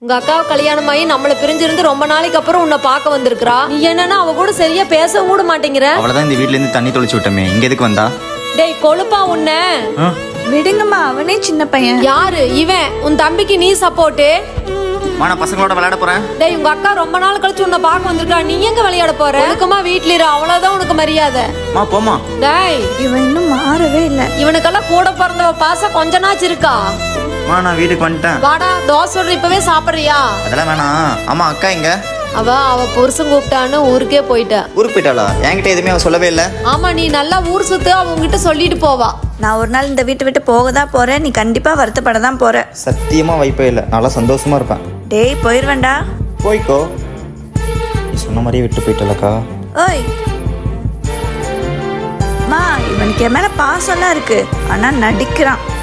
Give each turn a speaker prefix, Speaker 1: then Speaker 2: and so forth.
Speaker 1: உங்க அக்காவை கல்யாணம் ஆகி நம்மள பிரிஞ்சிருந்து ரொம்ப நாளைக்கு அப்புறம் உன்னை பார்க்க வந்திருக்கா. நீ என்னன்னா அவ கூட சரியா பேசவும் கூட மாட்டேங்கிற.
Speaker 2: அவளதான் இந்த வீட்ல இருந்து தண்ணி தொளிச்சு விட்டமே, இங்க எதுக்கு வந்தா?
Speaker 1: டேய் கொழுப்பா உன்ன
Speaker 3: விடுங்கம்மா, அவனே சின்ன பையன்.
Speaker 1: யாரு இவன்? உன் தம்பிக்கு நீ சப்போர்ட்டு.
Speaker 2: நான் பசங்களோட விளையாட போறேன்.
Speaker 1: டேய் உங்க அக்கா ரொம்ப நாள் கழிச்சு உன்னை பார்க்க வந்திருக்கா, நீ எங்க விளையாட போற? ஒழுக்கமா வீட்ல இரு, அவ்வளவுதான் உனக்கு மரியாதை.
Speaker 2: போமா.
Speaker 1: டேய்
Speaker 3: இவன் இன்னும் மாறவே இல்ல.
Speaker 1: இவனுக்கெல்லாம் கூட பிறந்தவ பாசம் கொஞ்ச நாச்சு இருக்கா?
Speaker 2: நான் வீட்டுக்கு வந்துட்டேன்.
Speaker 1: வாடா தோசை சுடுற, இப்பவே சாப்பிடுறியா?
Speaker 2: அதெல்லாம் வேணாம். ஆமா, அக்கா எங்க?
Speaker 1: அவ புருஷன் கூப்பிட்டான்னு ஊருக்கே போயிட்டா.
Speaker 2: ஊருக்கு போயிட்டாளா? என்கிட்ட எதுவுமே அவ சொல்லவே இல்ல.
Speaker 1: ஆமா, நீ நல்லா ஊர் சுத்து, அவங்ககிட்ட சொல்லிட்டு போவா.
Speaker 3: நான் ஒரு நாள் இந்த வீட்டை விட்டு போக தான் போறேன். நீ கண்டிப்பா வருத்தப்பட தான் போற.
Speaker 2: சத்தியமா வாய்ப்பே இல்லை. நல்லா சந்தோஷமா இருப்பேன்.
Speaker 3: டேய் போயிருவேண்டா.
Speaker 2: போய்க்கோ. நீ சொன்ன மாதிரியே விட்டு போயிட்டலக்கா.
Speaker 3: ஓய் மா, இவனுக்கு என் மேல பாசம்லாம் இருக்கு, ஆனா நடிக்கிறான்.